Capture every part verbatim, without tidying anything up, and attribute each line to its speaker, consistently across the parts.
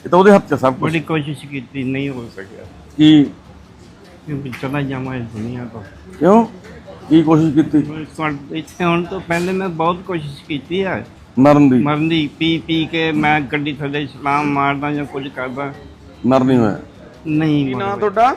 Speaker 1: ਇਹ ਤਾਂ ਉਹਦੇ ਹੱਥ 'ਚ ਸਭ ਕੁਝ।
Speaker 2: बड़ी कोशिश की थी, नहीं हो सका
Speaker 1: ਕੀ
Speaker 2: क्योंकि चला जावा इस दुनिया तो।
Speaker 1: ਕਿਉਂ ਕੀ ਕੋਸ਼ਿਸ਼ ਕੀਤੀ
Speaker 2: इतने होने तो पहले मैं बहुत कोशिश की थी है
Speaker 1: ਮਰਨ ਦੀ?
Speaker 2: मरन दी, पी पी के मैं गड्डी थले सलाम मारदा या कुछ करदा,
Speaker 1: ਮਰ ਨਹੀਂ ਹੋਇਆ।
Speaker 2: नहीं
Speaker 1: ਕੀ ਨਾਂ
Speaker 2: मरा।
Speaker 1: ਤੁਹਾਡਾ?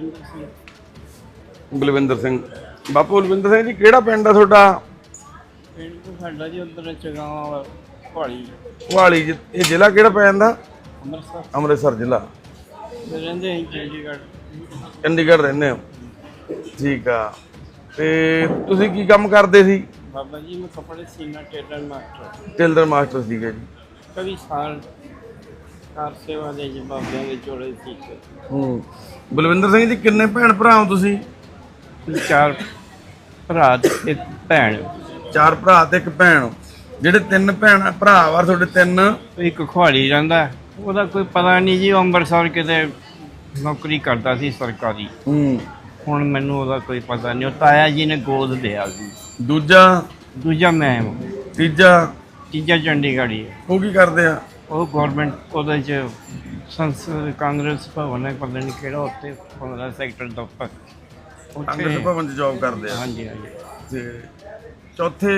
Speaker 1: ਬਲਵਿੰਦਰ ਸਿੰਘ। ਬਾਪੂ ਬਲਵਿੰਦਰ ਸਿੰਘ ਜੀ, ਕਿਹੜਾ ਪਿੰਡ ਆ ਤੁਹਾਡਾ?
Speaker 2: ਪਿੰਡ ਤੋਂ ਸਾਡਾ ਜੀ ਉਧਰ ਚਗਾਵਾਂ ਵਾਲਾ ਪਹਾੜੀ
Speaker 1: ਵਾਲੀ। ਇਹ ਜ਼ਿਲ੍ਹਾ ਕਿਹੜਾ ਪੈ ਜਾਂਦਾ?
Speaker 2: ਅੰਮ੍ਰਿਤਸਰ
Speaker 1: ਅੰਮ੍ਰਿਤਸਰ ਜ਼ਿਲ੍ਹਾ।
Speaker 2: ਦੇ ਰਹਿੰਦੇ ਅਸੀਂ ਚੰਡੀਗੜ੍ਹ।
Speaker 1: ਚੰਡੀਗੜ੍ਹ ਰਹਿੰਦੇ ਹੋ? ਠੀਕ ਆ। ਤੇ ਤੁਸੀਂ ਕੀ ਕੰਮ ਕਰਦੇ ਸੀ?
Speaker 2: ਬਾਬਾ ਜੀ ਮੈਂ ਕੱਪੜੇ ਸੀਨਾ ਟੇਲਰ ਮਾਸਟਰ,
Speaker 1: ਟੇਲਰ ਮਾਸਟਰ ਸੀਗੇ ਜੀ।
Speaker 2: ਕਈ ਸਾਲ ਕਾਰ ਸੇਵਾ ਦੇ ਜੀ ਬਾਬਿਆਂ ਦੇ ਜੋੜੇ ਸੀ।
Speaker 1: ਹੂੰ। ਬਲਵਿੰਦਰ ਸਿੰਘ ਜੀ, ਕਿੰਨੇ ਭੈਣ ਭਰਾ ਹੋ ਤੁਸੀਂ?
Speaker 2: ਚਾਰ ਭਰਾ ਤੇ ਇੱਕ ਭੈਣ।
Speaker 1: ਚਾਰ ਭਰਾ ਤੇ ਇੱਕ ਭੈਣ। ਜਿਹੜੇ ਤਿੰਨ ਭੈਣ ਭਰਾ ਵਾ ਤੁਹਾਡੇ ਤਿੰਨ,
Speaker 2: ਇੱਕ ਖੁਆੜੀ ਰਹਿੰਦਾ, ਉਹਦਾ ਕੋਈ ਪਤਾ ਨਹੀਂ ਜੀ, ਉਹ ਅੰਮ੍ਰਿਤਸਰ ਕਿਤੇ ਨੌਕਰੀ ਕਰਦਾ ਸੀ ਸਰਕਾਰੀ।
Speaker 1: ਹੂੰ।
Speaker 2: ਹੁਣ ਮੈਨੂੰ ਉਹਦਾ ਕੋਈ ਪਤਾ ਨਹੀਂ। ਉਹ ਤਾਇਆ ਜੀ ਨੇ ਗੋਦ ਲਿਆ ਸੀ।
Speaker 1: ਦੂਜਾ?
Speaker 2: ਦੂਜਾ ਮੈਂ,
Speaker 1: ਤੀਜਾ?
Speaker 2: ਤੀਜਾ ਚੰਡੀਗੜ੍ਹ ਹੀ ਹੈ।
Speaker 1: ਉਹ ਕੀ ਕਰਦੇ ਆ?
Speaker 2: ਉਹ ਗੌਰਮੈਂਟ ਉਹਦੇ 'ਚ ਸੰਸਦ ਕਾਂਗਰਸ ਭਵਨ ਹੈ, ਪਤਾ ਨਹੀਂ ਕਿਹੜਾ, ਉੱਥੇ ਪੰਦਰਾਂ ਸੈਕਟਰ ਦਫ਼ਤਰ
Speaker 1: ਕਾਂਗਰਸ ਭਵਨ 'ਚ ਜੌਬ ਕਰਦੇ ਆ।
Speaker 2: ਹਾਂਜੀ ਹਾਂਜੀ।
Speaker 1: ਤੇ ਚੌਥੇ?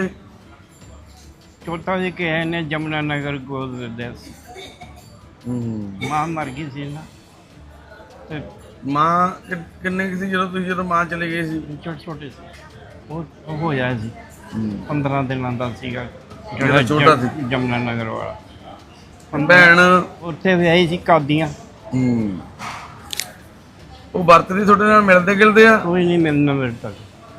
Speaker 2: ਚੌਥਾ ਜੀ ਕਿ ਨੇ ਜਮਨਾ ਨਗਰ ਗੋਦ ਦਿੱਤਾ ਸੀ।
Speaker 1: ਹੂੰ।
Speaker 2: ਮਾਂ ਮਰ ਗਈ ਸੀ ਨਾ, ਤੇ
Speaker 1: ਮਾਂ ਕਿ- ਕਿੰਨੇ ਕੁ ਸੀ ਜਦੋਂ ਤੁਸੀਂ ਜਦੋਂ ਮਾਂ ਚਲੇ ਗਏ ਸੀ?
Speaker 2: ਛੋਟੇ ਛੋਟੇ ਸੀ। ਉਹ ਉਹ ਹੋਇਆ ਸੀ
Speaker 1: ਹੂੰ।
Speaker 2: ਪੰਦਰਾਂ ਦਿਨਾਂ ਦਾ ਸੀਗਾ,
Speaker 1: ਜਿਹੜਾ ਛੋਟਾ ਸੀ।
Speaker 2: ਜਮਨਾ ਨਗਰ ਵਾਲਾ।
Speaker 1: ਭੈਣ?
Speaker 2: ਉੱਥੇ ਵਿਆਹੀ ਸੀ ਕਾਦੀਆਂ।
Speaker 1: ਹੂੰ। ਉਹ ਵਰਤਦੀ ਤੁਹਾਡੇ ਨਾਲ, ਮਿਲਦੇ ਗਿਲਦੇ ਆ?
Speaker 2: ਕੋਈ ਨਹੀਂ ਮਿਲਣਾ ਮੇਰੇ ਤੱਕ।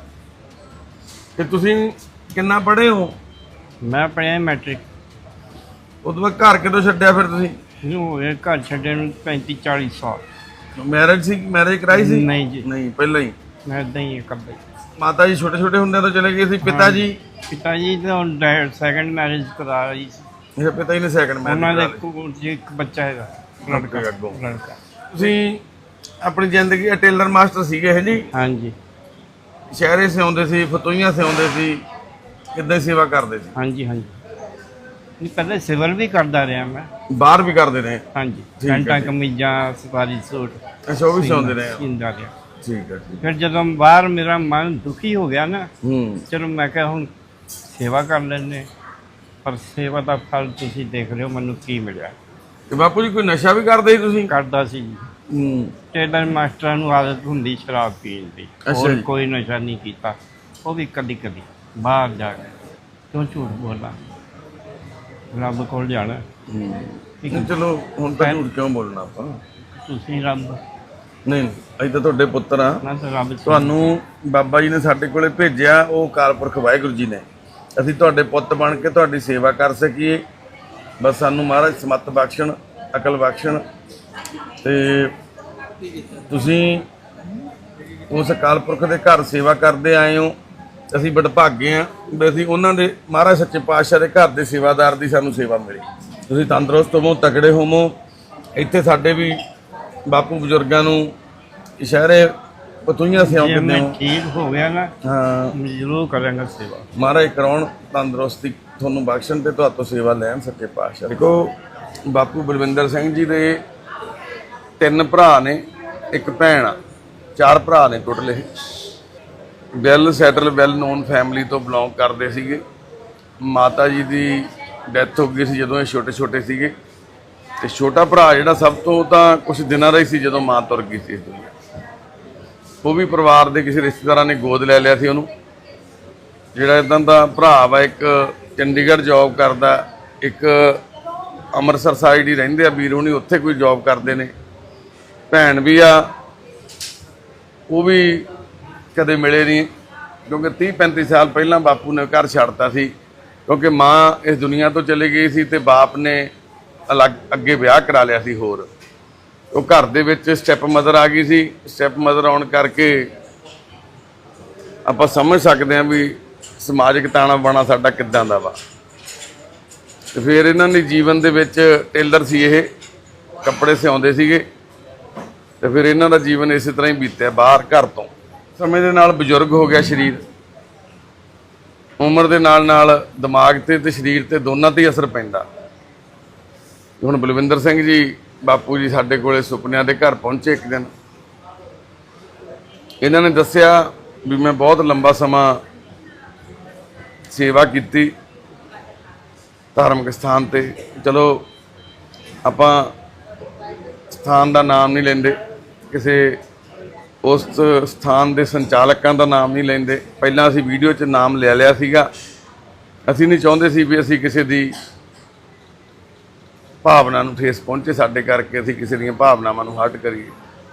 Speaker 1: ਤੇ ਤੁਸੀਂ ਕਿੰਨਾ ਪੜ੍ਹੇ ਹੋ?
Speaker 2: ਮੈਂ ਪੜ੍ਹਿਆ ਮੈਟ੍ਰਿਕ।
Speaker 1: ਉਹ ਤੋਂ ਬਾਅਦ ਘਰ ਕਿਦੋਂ ਛੱਡਿਆ ਫਿਰ ਤੁਸੀਂ?
Speaker 2: ਇਹਨੂੰ ਹੋਏ ਘਰ ਛੱਡੇ ਨੂੰ ਪੈਂਤੀ ਚਾਲੀ ਸਾਲ।
Speaker 1: ਮੈਰਿਜ ਸੀ? ਮੈਰਿਜ ਕਰਾਈ ਸੀ?
Speaker 2: ਨਹੀਂ ਜੀ,
Speaker 1: ਨਹੀਂ, ਪਹਿਲਾਂ ਹੀ।
Speaker 2: ਮੈਂ ਇੱਦਾਂ ਹੀ ਕਰਦੇ।
Speaker 1: ਮਾਤਾ ਜੀ ਛੋਟੇ ਛੋਟੇ ਹੁੰਦਿਆਂ ਤੋਂ ਚਲੇ ਗਏ ਸੀ? ਪਿਤਾ ਜੀ?
Speaker 2: ਪਿਤਾ ਜੀ ਤਾਂ ਸੈਕੰਡ ਮੈਰਿਜ ਕਰਾ ਰਹੀ ਸੀ।
Speaker 1: ਇਹ ਪਿਤਾ ਜੀ ਨੇ ਸੈਕੰਡ
Speaker 2: ਉਹਨਾਂ ਦੇ
Speaker 1: ਮੈਰਿਜ
Speaker 2: ਇੱਕ ਜੀ ਇੱਕ ਬੱਚਾ ਹੈਗਾ,
Speaker 1: ਲੜਕਾ ਅੱਗੋਂ।
Speaker 2: ਲੜਕਾ।
Speaker 1: ਤੁਸੀਂ ਆਪਣੀ ਜ਼ਿੰਦਗੀ ਟੇਲਰ ਮਾਸਟਰ ਸੀਗੇ ਹੈ ਜੀ?
Speaker 2: ਹਾਂਜੀ
Speaker 1: ਸ਼ਹਿਰੇ ਸਿਆਉਂਦੇ ਸੀ, ਫਤੂਈਆਂ ਸਿਆਉਂਦੇ ਸੀ, ਕਿੱਦਾਂ ਸੇਵਾ ਕਰਦੇ ਸੀ?
Speaker 2: ਹਾਂਜੀ ਹਾਂਜੀ। ਨਹੀਂ ਪਹਿਲੇ ਸਿਵਲ ਵੀ ਕਰਦਾ ਰਿਹਾ ਮੈਂ।
Speaker 1: ਬਾਹਰ ਵੀ ਕਰਦੇ ਰਹੇ?
Speaker 2: ਹਾਂਜੀ,
Speaker 1: ਠੀਕ ਹੈ
Speaker 2: ਪੈਂਟਾਂ
Speaker 1: ਜੀ।
Speaker 2: ਕਮੀਜ਼ਾਂ ਸਵਾਰੀ ਸੂਟ
Speaker 1: ਅੱਛਾ, ਉਹ ਵੀ ਸਿਆਉਂਦੇ ਰਹੇ?
Speaker 2: ਸੀਂਦਾ ਰਿਹਾ।
Speaker 1: ਠੀਕ ਹੈ ਜੀ।
Speaker 2: ਫਿਰ ਜਦੋਂ ਬਾਹਰ ਮੇਰਾ ਮਨ ਦੁਖੀ ਹੋ ਗਿਆ ਨਾ,
Speaker 1: ਹੂੰ।
Speaker 2: ਚਲੋ ਮੈਂ ਕਿਹਾ ਹੁਣ ਸੇਵਾ ਕਰ ਲੈਂਦੇ। ਪਰ ਸੇਵਾ ਦਾ ਫਲ ਤੁਸੀਂ ਦੇਖ ਰਹੇ ਹੋ ਮੈਨੂੰ ਕੀ ਮਿਲਿਆ।
Speaker 1: ਤੇ ਬਾਪੂ ਜੀ ਕੋਈ ਨਸ਼ਾ ਵੀ ਕਰਦੇ ਸੀ ਤੁਸੀਂ?
Speaker 2: ਕਰਦਾ ਸੀ ਜੀ।
Speaker 1: ਹੂੰ।
Speaker 2: ਟੇਲਰ ਮਾਸਟਰਾਂ ਨੂੰ ਆਦਤ ਹੁੰਦੀ ਸ਼ਰਾਬ ਪੀਣ ਦੀ,
Speaker 1: ਅੱਛਾ
Speaker 2: ਹੋਰ
Speaker 1: ਜੀ।
Speaker 2: ਕੋਈ ਨਸ਼ਾ ਨਹੀਂ ਕੀਤਾ। ਉਹ ਵੀ ਕਦੀ ਕਦੀ ਬਾਹਰ ਜਾ ਕੇ। ਕਿਉਂ ਝੂਠ ਬੋਲਣਾ, ਰੱਬ ਕੋਲ ਜਾਣਾ।
Speaker 1: ਹੂੰ।
Speaker 2: ਠੀਕ
Speaker 1: ਨਹੀਂ,
Speaker 2: ਹੈ।
Speaker 1: ਚਲੋ ਹੁਣ ਤਾਂ ਝੂਠ ਕਿਉਂ ਬੋਲਣਾ ਆਪਾਂ?
Speaker 2: ਤੁਸੀਂ ਰੱਬ
Speaker 1: ਨਹੀਂ, ਅਸੀਂ ਤਾਂ ਤੁਹਾਡੇ ਪੁੱਤਰ ਆ।
Speaker 2: ਨਾ ਤਾਂ ਰੱਬ
Speaker 1: ਤੁਹਾਨੂੰ ਬਾਬਾ ਜੀ ਨੇ ਸਾਡੇ ਕੋਲੇ ਭੇਜਿਆ, ਉਹ ਅਕਾਲ ਪੁਰਖ ਵਾਹਿਗੁਰੂ ਜੀ ਨੇ। ਅਸੀਂ ਤੁਹਾਡੇ ਪੁੱਤ ਬਣ ਕੇ ਤੁਹਾਡੀ ਸੇਵਾ ਕਰ ਸਕੀਏ, ਬਸ ਸਾਨੂੰ ਮਹਾਰਾਜ ਸਮੱਤ ਬਖਸ਼ਣ, ਅਕਲ ਬਖਸ਼ਣ। ਤੇ ਤੁਸੀਂ ਉਸ ਅਕਾਲ ਪੁਰਖ ਦੇ ਘਰ ਸੇਵਾ ਕਰਦੇ ਆਏ ਹੋ। ਅਸੀਂ ਵਡਭਾਗੇ ਹਾਂ ਵੀ ਅਸੀਂ ਉਹਨਾਂ ਦੇ ਮਹਾਰਾਜ ਸੱਚੇ ਪਾਤਸ਼ਾਹ ਦੇ ਘਰ ਦੇ ਸੇਵਾਦਾਰ ਦੀ ਸਾਨੂੰ ਸੇਵਾ ਮਿਲੀ। ਤੁਸੀਂ ਤੰਦਰੁਸਤ ਹੋਵੋ, ਤਕੜੇ ਹੋਵੋ। ਇੱਥੇ ਸਾਡੇ ਵੀ ਬਾਪੂ ਬਜ਼ੁਰਗਾਂ ਨੂੰ ਇਸ਼ਾਰੇ ਪਤੂਈਆਂ
Speaker 2: ਜੇ
Speaker 1: ਸਿਆਉਂਦੇ
Speaker 2: ਮੈਂ
Speaker 1: ਹੋ।
Speaker 2: ਠੀਕ ਹੋ ਗਿਆ ਨਾ,
Speaker 1: ਹਾਂ,
Speaker 2: ਮੈਂ ਜ਼ਰੂਰ ਕਰਾਂਗਾ ਸੇਵਾ।
Speaker 1: ਮਹਾਰਾਜ ਕਰਾਉਣ, ਤੰਦਰੁਸਤੀ ਤੁਹਾਨੂੰ ਬਖਸ਼ਣ ਤੇ ਤੁਹਾਤੋਂ ਸੇਵਾ ਲੈਣ ਸੱਚੇ ਪਾਤਸ਼ਾਹ। ਦੇਖੋ ਬਾਪੂ ਬਲਵਿੰਦਰ ਸਿੰਘ ਜੀ ਦੇ ਤਿੰਨ ਭਰਾ ਨੇ, ਇੱਕ ਭੈਣ ਆ, ਚਾਰ ਭਰਾ ਨੇ ਟੋਟਲ। ਇਹ well settle well known family ਤੋਂ ਬਿਲੋਂਗ ਕਰਦੇ ਸੀਗੇ। ਮਾਤਾ ਜੀ ਦੀ ਡੈਥ ਹੋ ਗਈ ਸੀ ਜਦੋਂ ਇਹ ਛੋਟੇ ਛੋਟੇ ਸੀਗੇ। ਤੇ ਛੋਟਾ ਭਰਾ ਜਿਹੜਾ ਸਭ ਤੋਂ ਤਾਂ ਕੁਝ ਦਿਨਾਂ ਦਾ ਹੀ ਸੀ ਜਦੋਂ ਮਾਂ ਤੁਰ ਗਈ ਸੀ ਇਸ ਦੁਨੀਆ। ਉਹ ਵੀ ਪਰਿਵਾਰ ਦੇ ਕਿਸੇ ਰਿਸ਼ਤੇਦਾਰਾਂ ਨੇ ਗੋਦ ਲੈ ਲਿਆ ਸੀ ਉਹਨੂੰ। ਜਿਹੜਾ ਇਦਾਂ ਦਾ ਭਰਾ ਵਾ, ਇੱਕ ਚੰਡੀਗੜ੍ਹ ਜੌਬ ਕਰਦਾ, ਇੱਕ ਅੰਮ੍ਰਿਤਸਰ ਸਾਈਡ ਹੀ ਰਹਿੰਦੇ ਆ ਵੀਰ ਹੁਣੀ, ਉੱਥੇ ਕੋਈ ਜੌਬ ਕਰਦੇ ਨੇ। ਭੈਣ ਵੀ ਆ, ਉਹ ਵੀ ਕਦੇ ਮਿਲੇ ਨਹੀਂ, ਕਿਉਂਕਿ ਤੀਹ ਪੈਂਤੀ ਸਾਲ ਪਹਿਲਾਂ ਬਾਪੂ ਨੇ ਘਰ ਛੱਡਤਾ ਸੀ, ਕਿਉਂਕਿ ਮਾਂ ਇਸ ਦੁਨੀਆ ਤੋਂ ਚਲੀ ਗਈ ਸੀ ਤੇ ਬਾਪ ਨੇ ਅਲੱਗ ਅੱਗੇ ਵਿਆਹ ਕਰਾ ਲਿਆ ਸੀ ਹੋਰ। ਉਹ ਘਰ ਦੇ ਵਿੱਚ ਸਟੈਪ ਮਦਰ ਆ ਗਈ ਸੀ। ਸਟੈਪ ਮਦਰ ਆਉਣ ਕਰਕੇ ਆਪਾਂ ਸਮਝ ਸਕਦੇ ਹਾਂ ਵੀ ਸਮਾਜਿਕ ਤਾਣਾ ਬਾਣਾ ਸਾਡਾ ਕਿੱਦਾਂ ਦਾ ਵਾ। ਤੇ ਫਿਰ ਇਹਨਾਂ ਦੇ ਜੀਵਨ ਦੇ ਵਿੱਚ ਟੇਲਰ ਸੀ, ਇਹ ਕੱਪੜੇ ਸਿਆਉਂਦੇ ਸੀਗੇ। ਤੇ ਫਿਰ ਇਹਨਾਂ ਦਾ ਜੀਵਨ ਇਸੇ ਤਰ੍ਹਾਂ ਹੀ ਬੀਤਿਆ ਬਾਹਰ ਘਰ ਤੋਂ। ਸਮੇਂ ਦੇ ਨਾਲ ਬਜ਼ੁਰਗ ਹੋ ਗਿਆ ਸਰੀਰ, ਉਮਰ ਦੇ ਨਾਲ ਨਾਲ ਦਿਮਾਗ ਤੇ ਤੇ ਸਰੀਰ ਤੇ ਦੋਨਾਂ ਤੇ ਹੀ ਅਸਰ ਪੈਂਦਾ। ਹੁਣ ਬਲਵਿੰਦਰ ਸਿੰਘ ਜੀ ਬਾਪੂ ਜੀ ਸਾਡੇ ਕੋਲੇ ਸੁਪਨਿਆਂ ਦੇ ਘਰ ਪਹੁੰਚੇ ਇੱਕ ਦਿਨ। ਇਹਨਾਂ ਨੇ ਦੱਸਿਆ ਵੀ ਮੈਂ ਬਹੁਤ ਲੰਬਾ ਸਮਾਂ ਸੇਵਾ ਕੀਤੀ ਧਾਰਮਿਕ ਸਥਾਨ ਤੇ। ਚਲੋ ਆਪਾਂ ਸਥਾਨ ਦਾ ਨਾਮ ਨਹੀਂ ਲੈਂਦੇ, ਕਿਸੇ ਉਸ ਸਥਾਨ ਦੇ ਸੰਚਾਲਕਾਂ ਦਾ ਨਾਮ ਨਹੀਂ ਲੈਂਦੇ। ਪਹਿਲਾਂ ਅਸੀਂ ਵੀਡੀਓ 'ਚ ਨਾਮ ਲੈ ਲਿਆ ਸੀਗਾ। ਅਸੀਂ ਨਹੀਂ ਚਾਹੁੰਦੇ ਸੀ ਵੀ ਅਸੀਂ ਕਿਸੇ ਦੀ ਭਾਵਨਾ ਨੂੰ ਠੇਸ ਪਹੁੰਚੇ ਸਾਡੇ ਕਰਕੇ, ਅਸੀਂ ਕਿਸੇ ਦੀਆਂ ਭਾਵਨਾਵਾਂ ਨੂੰ ਹਰਟ ਕਰੀਏ।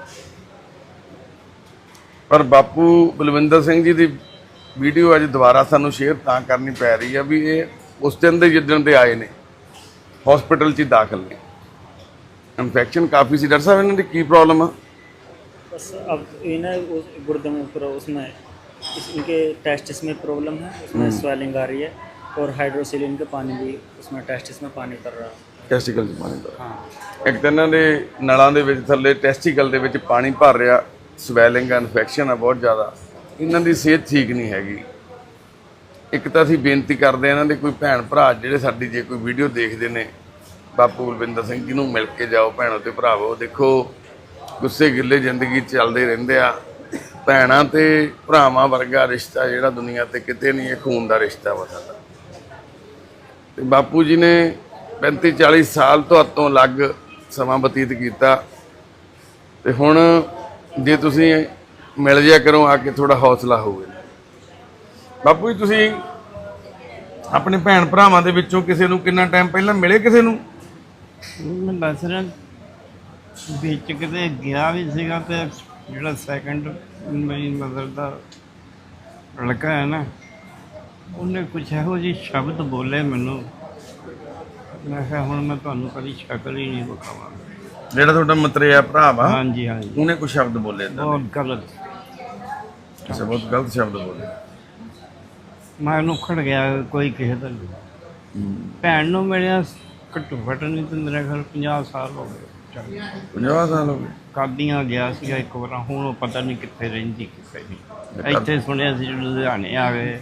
Speaker 1: ਪਰ ਬਾਪੂ ਬਲਵਿੰਦਰ ਸਿੰਘ ਜੀ ਦੀ ਵੀਡੀਓ ਅੱਜ ਦੁਬਾਰਾ ਸਾਨੂੰ ਸ਼ੇਅਰ ਤਾਂ ਕਰਨੀ ਪੈ ਰਹੀ ਆ ਵੀ ਇਹ ਉਸ ਦਿਨ ਦੇ ਜਿੱਦਣ ਦੇ ਆਏ ਨੇ ਹਸਪੀਟਲ 'ਚ ਦਾਖਲ ਨੇ। ਇਨਫੈਕਸ਼ਨ ਕਾफ़ी सी। डॉक्टर साहब इन्होंने की प्रॉब्लम है?
Speaker 3: बस अब ये ना उस गुर्दे में पूरा उसमें इस इनके टेस्टिस में प्रॉब्लम है, उसमें स्वेलिंग आ रही है और हाइड्रोसिलिन के पानी भी उसमें टेस्टिस में पानी कर रहा है।
Speaker 1: ਟੈਸਟੀਕਲ 'ਚ ਪਾਣੀ ਦਾ
Speaker 3: हाँ
Speaker 1: ਇੱਕ ਤਾਂ ਇਹਨਾਂ ਦੇ ਨਲਾਂ ਦੇ ਵਿੱਚ ਥੱਲੇ ਟੈਸਟੀਕਲ ਦੇ ਵਿੱਚ ਪਾਣੀ ਭਰ ਰਿਹਾ, ਸਵੈਲਿੰਗ ਆ, ਇਨਫੈਕਸ਼ਨ ਆ ਬਹੁਤ ਜ਼ਿਆਦਾ। ਇਹਨਾਂ ਦੀ ਸਿਹਤ ਠੀਕ ਨਹੀਂ ਹੈਗੀ। ਇੱਕ ਤਾਂ ਅਸੀਂ ਬੇਨਤੀ ਕਰਦੇ ਹਾਂ ਇਹਨਾਂ ਦੇ ਕੋਈ ਭੈਣ ਭਰਾ ਜਿਹੜੇ ਸਾਡੀ ਜੇ ਕੋਈ ਵੀਡੀਓ ਦੇਖਦੇ ਨੇ, ਬਾਪੂ ਬਲਵਿੰਦਰ ਸਿੰਘ ਜੀ ਨੂੰ ਮਿਲ ਕੇ ਜਾਓ ਭੈਣੋ ਤੇ ਭਰਾਵੋ। ਦੇਖੋ ਗੁੱਸੇ ਗਿੱਲੇ ਜ਼ਿੰਦਗੀ ਚੱਲਦੇ ਰਹਿੰਦੇ ਆ। ਭੈਣਾਂ ਤੇ ਭਰਾਵਾਂ ਵਰਗਾ ਰਿਸ਼ਤਾ ਜਿਹੜਾ ਦੁਨੀਆ ਤੇ ਕਿਤੇ ਨਹੀਂ, ਇਹ ਖੂਨ ਦਾ ਰਿਸ਼ਤਾ ਵਾ ਸਾਡਾ। ਤੇ ਬਾਪੂ ਜੀ ਨੇ ਪੈਂਤੀ ਚਾਲੀ ਸਾਲ ਤੋਂ ਅਲੱਗ ਸਮਾਂ ਬਤੀਤ ਕੀਤਾ ਤੇ ਹੁਣ ਜੇ ਤੁਸੀਂ ਮਿਲ ਜਿਆ ਕਰੋ ਆ ਕੇ, ਥੋੜਾ ਹੌਸਲਾ ਹੋਵੇ। ਬਾਪੂ ਜੀ ਤੁਸੀਂ ਆਪਣੇ ਭੈਣ ਭਰਾਵਾਂ ਦੇ ਵਿੱਚੋਂ ਕਿਸੇ ਨੂੰ ਕਿੰਨਾ ਟਾਈਮ ਪਹਿਲਾਂ ਮਿਲੇ? ਕਿਸੇ ਨੂੰ
Speaker 2: ਮੈਂ ਦੱਸ ਰਿਹਾ ਵਿੱਚ ਕਿਤੇ ਗਿਆ ਵੀ ਸੀਗਾ ਤੇ ਜਿਹੜਾ ਸੈਕੰਡ ਮੇਰੀ ਮਦਰ ਦਾ ਲੜਕਾ ਹੈ ਨਾ, ਉਹਨੇ ਕੁਛ ਇਹੋ ਜਿਹੇ ਸ਼ਬਦ ਬੋਲੇ ਮੈਨੂੰ, ਮੈਂ ਕਿਹਾ ਹੁਣ ਮੈਂ ਤੁਹਾਨੂੰ ਕਦੀ ਸ਼ਕਲ ਹੀ ਨਹੀਂ ਵਿਖਾਵਾਂਗਾ।
Speaker 1: ਜਿਹੜਾ ਤੁਹਾਡਾ ਮਤਰੇਆ ਭਰਾ ਵਾ
Speaker 2: ਹਾਂਜੀ ਹਾਂਜੀ,
Speaker 1: ਉਹਨੇ ਕੁਝ ਸ਼ਬਦ ਬੋਲੇ ਏਦਾਂ ਦੇ?
Speaker 2: ਬਹੁਤ ਗਲਤ।
Speaker 1: ਅੱਛਾ, ਬਹੁਤ ਗਲਤ ਸ਼ਬਦ ਬੋਲੇ।
Speaker 2: ਮੈਂ ਉਹਨੂੰ ਖੜ ਗਿਆ ਕੋਈ ਕਿਸੇ ਦਾ ਨਹੀਂ। ਭੈਣ ਨੂੰ ਮਿਲਿਆ ਘੱਟੋ ਘੱਟ ਨਹੀਂ ਤੇ ਮੇਰੇ ਘਰ ਪੰਜਾਹ ਸਾਲ ਹੋ ਗਏ।
Speaker 1: ਪੰਜਾਹ ਸਾਲ ਹੋ ਗਏ।
Speaker 2: ਕਾਦੀਆਂ ਗਿਆ ਸੀਗਾ ਇੱਕ ਵਾਰ, ਹੁਣ ਉਹ ਪਤਾ ਨਹੀਂ ਕਿੱਥੇ ਰਹਿੰਦੀ ਕਿੱਥੇ ਨਹੀਂ। ਇੱਥੇ ਸੁਣਿਆ ਸੀ ਲੁਧਿਆਣੇ ਆ ਗਏ।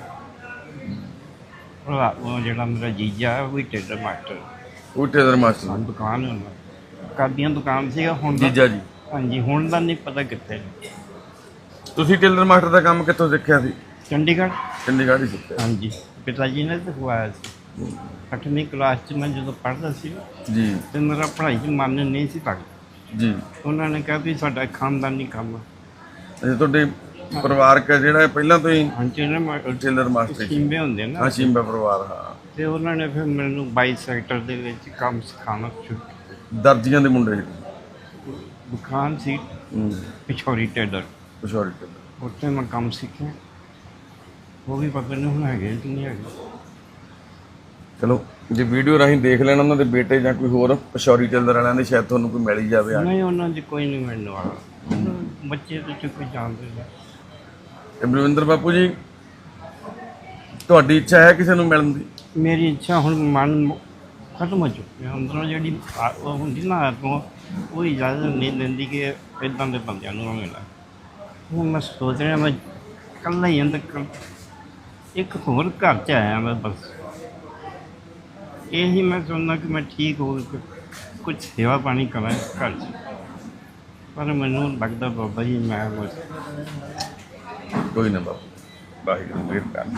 Speaker 2: ਉਹ ਜਿਹੜਾ ਮੇਰਾ ਜੀਜਾ ਉਹ ਵੀ ਟੇਲਰ ਮਾਸਟਰ,
Speaker 1: ਉਹ ਟੇਲਰ ਮਾਸਟਰ
Speaker 2: ਦੁਕਾਨ ਉਹਨਾਂ ਕਾਦੀਆਂ ਦੁਕਾਨ ਸੀਗਾ। ਹੁਣ ਦਾ-
Speaker 1: ਜੀਜਾ ਜੀ?
Speaker 2: ਹਾਂਜੀ, ਹੁਣ ਦਾ ਨਹੀਂ ਪਤਾ ਕਿੱਥੇ।
Speaker 1: ਤੁਸੀਂ ਟੇਲਰ ਮਾਸਟਰ ਦਾ ਕੰਮ ਕਿੱਥੋਂ ਸਿੱਖਿਆ ਸੀ?
Speaker 2: ਚੰਡੀਗੜ੍ਹ।
Speaker 1: ਚੰਡੀਗੜ੍ਹ ਹੀ ਸਿੱਖਿਆ
Speaker 2: ਹਾਂਜੀ, ਪਿਤਾ ਜੀ ਨੇ ਸਿਖਵਾਇਆ ਸੀ। ਅੱਠਵੀਂ ਕਲਾਸ 'ਚ ਮੈਂ ਜਦੋਂ ਪੜ੍ਹਦਾ ਸੀ
Speaker 1: ਜੀ
Speaker 2: ਤੇ ਮੇਰਾ ਪੜ੍ਹਾਈ 'ਚ ਮਨ ਨਹੀਂ ਸੀ ਲੱਗਦਾ।
Speaker 1: ਜੀ।
Speaker 2: ਉਹਨਾਂ ਨੇ ਕਿਹਾ ਵੀ ਸਾਡਾ ਖਾਨਦਾਨੀ ਕੰਮ ਆ।
Speaker 1: ਅੱਛਾ, ਤੁਹਾਡੇ ਪਰਿਵਾਰਕ ਹੈ ਜਿਹੜਾ ਪਹਿਲਾਂ ਤੋਂ ਹੀ
Speaker 2: ਹਾਂਜੀ ਨਾ
Speaker 1: ਟੇਲਰ ਮਾਸਟਰ ਸੀ?
Speaker 2: ਸ਼ਿੰਬੇ ਹੁੰਦੇ ਨਾ,
Speaker 1: ਹਾਂ, ਸ਼ਿੰਬਾ ਪਰਿਵਾਰ। ਹਾਂ,
Speaker 2: ਤੇ ਉਹਨਾਂ ਨੇ ਫਿਰ ਮੈਨੂੰ ਬਾਈ ਸੈਕਟਰ ਦੇ ਵਿੱਚ ਕੰਮ ਸਿਖਾਉਣਾ ਸ਼ੁਰੂ ਕੀਤਾ।
Speaker 1: ਦਰਜੀਆਂ ਦੇ ਮੁੰਡੇ।
Speaker 2: ਦੁਕਾਨ ਸੀ
Speaker 1: ਹੂੰ,
Speaker 2: ਪਿਛੋਰੀ ਟੇਲਰ,
Speaker 1: ਪਸ਼ੌਰੀ ਟੇਲਰ।
Speaker 2: ਉੱਥੇ ਮੈਂ ਕੰਮ ਸਿੱਖਿਆ। ਉਹ ਵੀ ਪਤਾ ਨਹੀਂ ਹੁਣ ਹੈਗੇ ਕਿ ਨਹੀਂ ਹੈਗੇ।
Speaker 1: ਚਲੋ ਜੇ ਵੀਡੀਓ ਰਾਹੀਂ ਦੇਖ ਲੈਣ ਉਹਨਾਂ ਦੇ ਬੇਟੇ ਜਾਂ ਕੋਈ ਹੋਰ ਪਸ਼ੌਰੀ ਟੇਲਰ ਵਾਲਿਆਂ ਦੇ, ਸ਼ਾਇਦ ਤੁਹਾਨੂੰ ਕੋਈ ਮਿਲ ਹੀ ਜਾਵੇ।
Speaker 2: ਨਹੀਂ, ਉਹਨਾਂ 'ਚ ਕੋਈ ਨਹੀਂ ਮਿਲਣ ਵਾਲਾ। ਬੱਚੇ ਤੇ ਕੋਈ ਜਾਣਦੇ ਨਹੀਂ।
Speaker 1: ਤੇ ਬਲਵਿੰਦਰ ਬਾਪੂ ਜੀ, ਤੁਹਾਡੀ ਇੱਛਾ ਹੈ ਕਿਸੇ ਨੂੰ ਮਿਲਣ ਦੀ?
Speaker 2: ਮੇਰੀ ਇੱਛਾ ਹੁਣ ਮਨ ਖਤਮ ਹੋ ਚੁੱਕੀ ਹੈ। ਅੰਦਰੋਂ ਜਿਹੜੀ ਆ- ਉਹ ਹੁੰਦੀ ਨਾ ਆਤਮਾ, ਉਹ ਇਜਾਜ਼ਤ ਨਹੀਂ ਦਿੰਦੀ ਕਿ ਇੱਦਾਂ ਦੇ ਬੰਦਿਆਂ ਨੂੰ ਮੈਂ ਮਿਲਾਂ। ਹੁਣ ਮੈਂ ਸੋਚ ਰਿਹਾ ਮੈਂ ਇਕੱਲਾ ਹੀ ਅੰਦਰ ਇੱਕ ਹੋਰ ਘਰ 'ਚ ਆਇਆ ਮੈਂ, ਬਸ ਇਹੀ ਮੈਂ ਚਾਹੁੰਦਾ ਕਿ ਮੈਂ ਠੀਕ ਹੋ ਕੇ ਕੁਝ ਸੇਵਾ ਪਾਣੀ ਕਰਾਂ ਇਸ ਘਰ 'ਚ। ਪਰ ਮੈਨੂੰ ਲੱਗਦਾ ਬਾਬਾ ਜੀ ਮੈਂ ਬਸ
Speaker 1: ਕੋਈ ਨਾ ਬਾਪੂ, ਵਾਹਿਗੁਰੂ ਮਿਹਰ ਕਰਨ।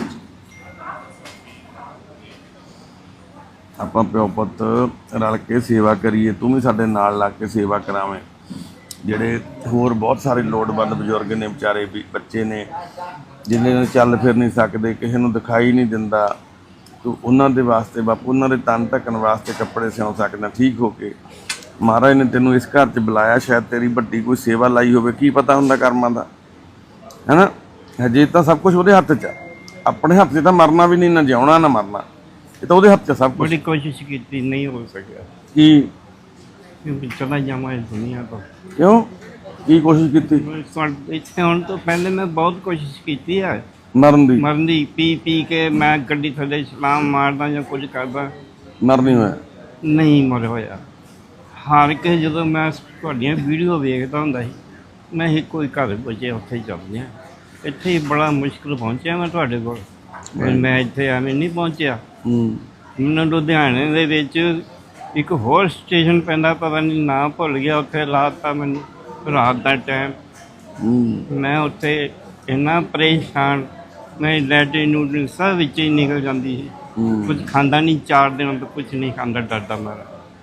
Speaker 1: ਆਪਾਂ ਪਿਓ ਪੁੱਤ ਰਲ ਕੇ ਸੇਵਾ ਕਰੀਏ, ਤੂੰ ਵੀ ਸਾਡੇ ਨਾਲ ਲੱਗ ਕੇ ਸੇਵਾ ਕਰਾਵੇਂ। ਜਿਹੜੇ ਹੋਰ ਬਹੁਤ ਸਾਰੇ ਲੋੜਵੰਦ ਬਜ਼ੁਰਗ ਨੇ, ਵਿਚਾਰੇ ਵੀ ਬੱਚੇ ਨੇ ਜਿਹਨੇ ਨੂੰ ਚੱਲ ਫਿਰ ਨਹੀਂ ਸਕਦੇ, ਕਿਸੇ ਨੂੰ ਦਿਖਾਈ ਨਹੀਂ ਦਿੰਦਾ, ਤੂੰ ਉਹਨਾਂ ਦੇ ਵਾਸਤੇ ਬਾਪੂ, ਉਹਨਾਂ ਦੇ ਤਨ ਢੱਕਣ ਵਾਸਤੇ ਕੱਪੜੇ ਸਿਉਂ ਸਕਦਾ ਠੀਕ ਹੋ ਕੇ। ਮਹਾਰਾਜ ਨੇ ਤੈਨੂੰ ਇਸ ਘਰ 'ਚ ਬੁਲਾਇਆ, ਸ਼ਾਇਦ ਤੇਰੀ ਵੱਡੀ ਕੋਈ ਸੇਵਾ ਲਾਈ ਹੋਵੇ, ਕੀ ਪਤਾ ਹੁੰਦਾ ਕਰਮਾਂ ਦਾ, ਹੈ ਨਾ। ਹਜੇ ਤਾਂ ਸਭ ਕੁਝ ਉਹਦੇ ਹੱਥ 'ਚ ਆ। ਆਪਣੇ ਹੱਥ 'ਚ ਤਾਂ ਮਰਨਾ ਵੀ ਨਹੀਂ, ਨਾ ਜਿਉਣਾ ਨਾ ਮਰਨਾ, ਇਹ ਤਾਂ ਉਹਦੇ ਹੱਥ 'ਚ ਸਭ ਕੁਝ।
Speaker 2: ਬੜੀ ਕੋਸ਼ਿਸ਼ ਕੀਤੀ, ਨਹੀਂ ਹੋ ਸਕਿਆ।
Speaker 1: ਕੀ
Speaker 2: ਕਿਉਂਕਿ ਚਲਾ ਜਾਵਾਂ ਇਸ ਦੁਨੀਆ ਤੋਂ।
Speaker 1: ਕਿਉਂ ਕੀ ਕੋਸ਼ਿਸ਼ ਕੀਤੀ?
Speaker 2: ਇੱਥੇ ਆਉਣ ਤੋਂ ਪਹਿਲੇ ਮੈਂ ਬਹੁਤ ਕੋਸ਼ਿਸ਼ ਕੀਤੀ ਹੈ
Speaker 1: ਮਰਨ ਦੀ?
Speaker 2: ਮਰਨ ਦੀ। ਪੀ ਪੀ ਕੇ ਮੈਂ ਗੱਡੀ ਥੱਲੇ ਛਲਾਂਗ ਮਾਰਦਾ ਜਾਂ ਕੁਝ ਕਰਦਾ,
Speaker 1: ਮਰ ਨਹੀਂ ਹੋਇਆ?
Speaker 2: ਨਹੀਂ ਮਰ ਹੋਇਆ। ਹਾਰ ਕੇ ਜਦੋਂ ਮੈਂ ਤੁਹਾਡੀਆਂ ਵੀਡੀਓ ਵੇਖਦਾ ਹੁੰਦਾ ਸੀ, ਮੈਂ ਹੀ ਕੋਈ ਘਰ ਬਚੇ ਉੱਥੇ ਹੀ ਚੱਲਦੇ ਹਾਂ। ਇੱਥੇ ਹੀ ਬੜਾ ਮੁਸ਼ਕਿਲ ਪਹੁੰਚਿਆ ਮੈਂ ਤੁਹਾਡੇ ਕੋਲ। ਮੈਂ ਇੱਥੇ ਐਵੇਂ ਨਹੀਂ ਪਹੁੰਚਿਆ।
Speaker 1: ਹੂੰ।
Speaker 2: ਮੈਨੂੰ ਲੁਧਿਆਣੇ ਦੇ ਵਿੱਚ ਇੱਕ ਹੋਰ ਸਟੇਸ਼ਨ ਪੈਂਦਾ, ਪਤਾ ਨਹੀਂ ਨਾਂ ਭੁੱਲ ਗਿਆ, ਉੱਥੇ ਲਾਤਾ ਮੈਨੂੰ ਰਾਤ ਦਾ ਟਾਈਮ।
Speaker 1: ਹੂੰ
Speaker 2: ਮੈਂ ਉੱਥੇ ਇੰਨਾ ਪਰੇਸ਼ਾਨ, ਮੈਂ ਲੈਟਰਿਨ ਨੂਟਰਿਨ ਸਭ ਵਿੱਚ ਹੀ ਨਿਕਲ ਜਾਂਦੀ ਸੀ।
Speaker 1: ਹੂੰ
Speaker 2: ਕੁਝ ਖਾਂਦਾ ਨਹੀਂ, ਚਾਰ ਦਿਨ ਤੋਂ ਕੁਝ ਨਹੀਂ ਖਾਂਦਾ, ਡਰਦਾ ਮਾਰਾ।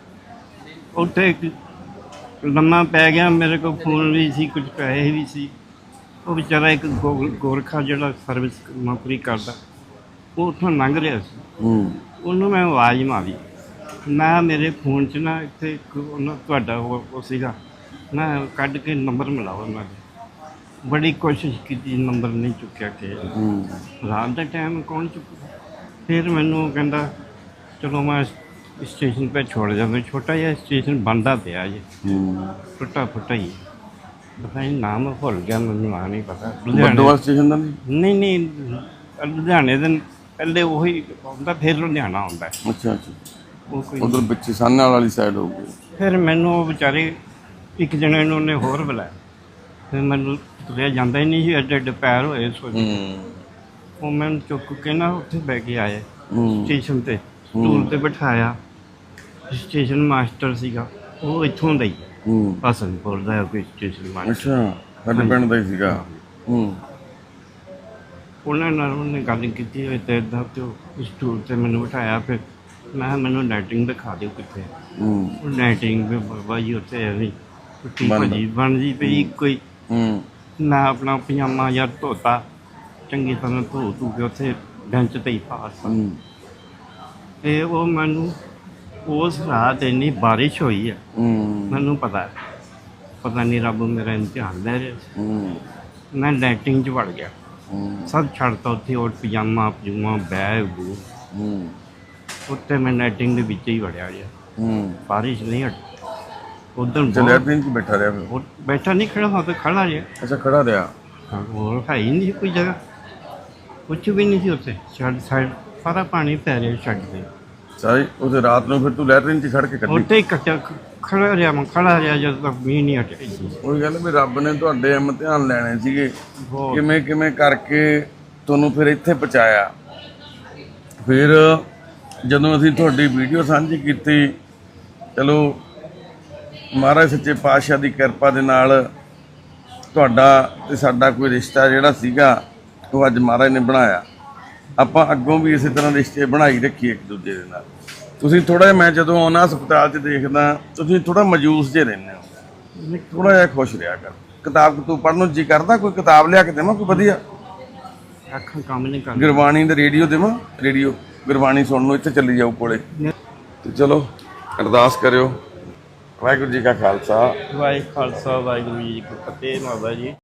Speaker 2: ਉੱਥੇ ਇੱਕ ਲੰਮਾ ਪੈ ਗਿਆ, ਮੇਰੇ ਕੋਲ ਫੋਨ ਵੀ ਸੀ, ਕੁਝ ਪੈਸੇ ਵੀ ਸੀ। ਉਹ ਵਿਚਾਰਾ ਇੱਕ ਗੋ- ਗੋਰਖਾ ਜਿਹੜਾ ਸਰਵਿਸ ਨੌਕਰੀ ਕਰਦਾ, ਉਹ ਉੱਥੋਂ ਲੰਘ ਰਿਹਾ ਸੀ।
Speaker 1: ਹੂੰ
Speaker 2: ਉਹਨੂੰ ਮੈਂ ਆਵਾਜ਼ ਮਾਰੀ, ਨਾ ਮੇਰੇ ਫੋਨ 'ਚ ਨਾ ਇੱਥੇ ਇੱਕ ਉਹਨਾਂ ਤੁਹਾਡਾ ਉਹ ਉਹ ਸੀਗਾ ਨਾ, ਕੱਢ ਕੇ ਨੰਬਰ ਮਿਲਾਓ ਉਹਨਾਂ ਦੇ। ਬੜੀ ਕੋਸ਼ਿਸ਼ ਕੀਤੀ, ਨੰਬਰ ਨਹੀਂ ਚੁੱਕਿਆ ਕਿ
Speaker 1: ਹੂੰ
Speaker 2: ਰਾਤ ਦਾ ਟਾਈਮ ਕੌਣ ਚੁੱਕੂ। ਫਿਰ ਮੈਨੂੰ ਉਹ ਕਹਿੰਦਾ ਚਲੋ ਮੈਂ ਸਟੇਸ਼ਨ 'ਤੇ ਛੋੜ ਜਾਂਦਾ। ਛੋਟਾ ਜਿਹਾ ਸਟੇਸ਼ਨ ਬਣਦਾ ਪਿਆ ਜੀ,
Speaker 1: ਹੂੰ
Speaker 2: ਟੁੱਟਾ ਫੁੱਟਾ ਹੀ, ਪਤਾ ਨਹੀਂ ਨਾਮ ਭੁੱਲ ਗਿਆ ਮੈਨੂੰ, ਨਾਂ ਨਹੀਂ ਪਤਾ।
Speaker 1: ਬਰਦੋਆ ਸਟੇਸ਼ਨ ਦਾ ਨਹੀਂ?
Speaker 2: ਨਹੀਂ ਨਹੀਂ, ਲੁਧਿਆਣੇ ਦੇ ਪਹਿਲੇ ਉਹੀ ਆਉਂਦਾ, ਫਿਰ ਲੁਧਿਆਣਾ ਆਉਂਦਾ।
Speaker 1: ਅੱਛਾ ਅੱਛਾ,
Speaker 2: ਉਹ ਕੋਈ
Speaker 1: ਉਧਰ ਪਿੱਛੇ ਸਾਹਨੇ ਵਾਲੀ ਸਾਈਡ ਹੋਊਗੀ।
Speaker 2: ਫਿਰ ਮੈਨੂੰ ਉਹ ਵਿਚਾਰੇ ਇੱਕ ਜਣੇ ਨੂੰ ਉਹਨੇ ਹੋਰ ਬੁਲਾਇਆ, ਫਿਰ ਮੈਨੂੰ ਤੁਰਿਆ ਜਾਂਦਾ ਹੀ ਨਹੀਂ ਸੀ, ਐਡੇ ਐਡੇ ਪੈਰ ਹੋਏ ਸੋਚ।
Speaker 1: ਹੂੰ
Speaker 2: ਉਹ ਮੈਨੂੰ ਚੁੱਕ ਕੇ ਨਾ ਉੱਥੇ ਬਹਿ ਕੇ ਆਏ
Speaker 1: ਹੂੰ
Speaker 2: ਸਟੇਸ਼ਨ 'ਤੇ, ਸਟੂਲ 'ਤੇ ਬਿਠਾਇਆ। ਸਟੇਸ਼ਨ ਮਾਸਟਰ ਸੀਗਾ ਉਹ ਇੱਥੋਂ ਦਾ ਹੀ,
Speaker 1: ਹੂੰ
Speaker 2: ਹਸਨਪੁਰ ਦਾ ਕੋਈ ਸਟੇਸ਼ਨ ਮਾਸਟਰ।
Speaker 1: ਅੱਛਾ, ਸਾਡੇ ਪਿੰਡ ਦਾ ਹੀ ਸੀਗਾ। ਹੂੰ
Speaker 2: ਉਹਨਾਂ ਨਾਲ ਉਹਨੇ ਗੱਲ ਕੀਤੀ ਹੋਈ ਤੇ ਇੱਦਾਂ, ਤੇ ਉਹ ਸਟੂਲ 'ਤੇ ਮੈਨੂੰ ਬਿਠਾਇਆ। ਫਿਰ ਮੈਂ ਕਿਹਾ ਮੈਨੂੰ ਲਾਈਟਿੰਗ ਦਿਖਾ ਦਿਓ ਕਿੱਥੇ।
Speaker 1: ਹੂੰ
Speaker 2: ਉਹ ਲਾਈਟਿੰਗ ਵੀ ਬਾਬਾ ਜੀ ਉੱਥੇ ਐਵੇਂ ਟੁੱਟੀ
Speaker 1: ਬੰਦ।
Speaker 2: ਭੱਜੀ ਬਣਦੀ ਪਈ ਕੋਈ,
Speaker 1: ਹੂੰ
Speaker 2: ਨਾ ਆਪਣਾ ਪਜਾਮਾ ਜਾਂ ਧੋਤਾ ਚੰਗੀ ਤਰ੍ਹਾਂ ਧੋ ਧੂ ਕੇ ਉੱਥੇ ਬੈਂਚ 'ਤੇ ਹੀ ਪਾਸ।
Speaker 1: ਹੂੰ
Speaker 2: ਤੇ ਉਹ ਮੈਨੂੰ ਉਸ ਰਾਤ ਇੰਨੀ ਬਾਰਿਸ਼ ਹੋਈ ਹੈ,
Speaker 1: ਹੂੰ
Speaker 2: ਮੈਨੂੰ ਪਤਾ ਹੈ, ਪਤਾ ਨਹੀਂ ਰੱਬ ਮੇਰਾ ਇਮਤਿਹਾਨ ਲੈ ਰਿਹਾ ਸੀ।
Speaker 1: ਹੂੰ
Speaker 2: ਮੈਂ ਲਾਈਟਿੰਗ 'ਚ ਵੜ ਗਿਆ,
Speaker 1: ਹੂੰ
Speaker 2: ਸਭ ਛੱਡਤਾ ਉੱਥੇ, ਉਹ ਪਜਾਮਾ ਪਜੂਮਾ ਬੈਗ ਬੂਗ,
Speaker 1: ਹੂੰ
Speaker 2: ਉੱਥੇ ਮੈਂ ਲਾਈਟਿੰਗ ਦੇ ਵਿੱਚ ਹੀ ਵੜਿਆ ਗਿਆ।
Speaker 1: ਹੂੰ
Speaker 2: ਬਾਰਿਸ਼ ਨਹੀਂ ਹਟੀ। ਉਧਰ
Speaker 1: ਚਲਿਆ ਦਿਨ ਚ ਬੈਠਾ ਰਿਹਾ ਫਿਰ?
Speaker 2: ਬੈਠਾ ਨਹੀਂ, ਖੜਾ ਹਾਂ, ਖੜਾ ਰਿਹਾ।
Speaker 1: ਅੱਛਾ, ਖੜਾ ਰਿਹਾ।
Speaker 2: ਹਾਂ, ਹੋਰ ਹੈ ਹੀ ਨਹੀਂ ਸੀ ਕੋਈ ਜਗ੍ਹਾ, ਕੁਛ ਵੀ ਨਹੀਂ ਸੀ ਉੱਥੇ। ਛੱਡ ਸਾਈਡ ਸਾਰਾ ਪਾਣੀ ਪੈ ਰਿਹਾ ਛੱਡ ਦੇ।
Speaker 1: ਸਾਰੀ ਉਹਦੇ ਰਾਤ ਨੂੰ ਫਿਰ ਤੂੰ ਲੈਟਰਿਨ ਚ ਖੜ ਕੇ ਕੱਢੀ?
Speaker 2: ਉੱਥੇ ਹੀ ਕੱਟਿਆ, ਖੜਾ ਰਿਹਾ ਮੈਂ, ਖੜਾ ਰਿਹਾ ਜਦੋਂ ਤੱਕ ਮੀਂਹ ਨਹੀਂ ਹਟਿਆ ਜੀ।
Speaker 1: ਉਹੀ ਗੱਲ ਵੀ ਰੱਬ ਨੇ ਤੁਹਾਡੇ ਇਮਤਿਹਾਨ ਲੈਣੇ ਸੀਗੇ,
Speaker 2: ਬਹੁਤ।
Speaker 1: ਕਿਵੇਂ ਕਿਵੇਂ ਕਰਕੇ ਤੁਹਾਨੂੰ ਫਿਰ ਇੱਥੇ ਪਹੁੰਚਾਇਆ। ਫਿਰ ਜਦੋਂ ਅਸੀਂ ਤੁਹਾਡੀ ਵੀਡੀਓ ਸਾਂਝੀ ਕੀਤੀ, ਚਲੋ ਮਹਾਰਾਜ ਸੱਚੇ ਪਾਤਸ਼ਾਹ ਦੀ ਕਿਰਪਾ ਦੇ ਨਾਲ ਤੁਹਾਡਾ ਤੇ ਸਾਡਾ ਕੋਈ ਰਿਸ਼ਤਾ ਜਿਹੜਾ ਸੀਗਾ ਉਹ ਅੱਜ ਮਹਾਰਾਜ ਨੇ ਬਣਾਇਆ। ਆਪਾਂ ਅੱਗੋਂ ਵੀ ਇਸੇ ਤਰ੍ਹਾਂ ਰਿਸ਼ਤੇ ਬਣਾਈ ਰੱਖੀਏ ਇੱਕ ਦੂਜੇ ਦੇ ਨਾਲ। ਤੁਸੀਂ ਥੋੜ੍ਹਾ ਜਿਹਾ, ਮੈਂ ਜਦੋਂ ਆਉਣਾ ਹਸਪਤਾਲ 'ਚ ਦੇਖਦਾ, ਤੁਸੀਂ ਥੋੜ੍ਹਾ ਮਜੂਸ ਜਿਹੇ ਰਹਿੰਦੇ ਹੋ, ਥੋੜ੍ਹਾ ਜਿਹਾ ਖੁਸ਼ ਰਿਹਾ ਕਰ। ਕਿਤਾਬ ਤੂੰ ਪੜ੍ਹਨ ਨੂੰ ਜੀ ਕਰਦਾ? ਕੋਈ ਕਿਤਾਬ ਲਿਆ ਕੇ ਦੇਵਾਂ ਕੋਈ ਵਧੀਆ?
Speaker 2: ਅੱਖਾਂ ਕੰਮ ਨਹੀਂ ਕਰਦੀਆਂ।
Speaker 1: ਗੁਰਬਾਣੀ ਦਾ ਰੇਡੀਓ ਦੇਵਾਂ? ਰੇਡੀਓ ਗੁਰਬਾਣੀ ਸੁਣਨ ਨੂੰ ਇੱਥੇ ਚੱਲੀ ਜਾਓ ਕੋਲੇ। ਤੇ ਚਲੋ ਅਰਦਾਸ ਕਰਿਓ। ਵਾਹਿਗੁਰੂ ਜੀ ਕਾ ਖਾਲਸਾ,
Speaker 2: ਵਾਹਿਗੁਰੂ ਖਾਲਸਾ, ਵਾਹਿਗੁਰੂ ਜੀ ਕੀ ਫਤਿਹ। ਬਾਬਾ ਜੀ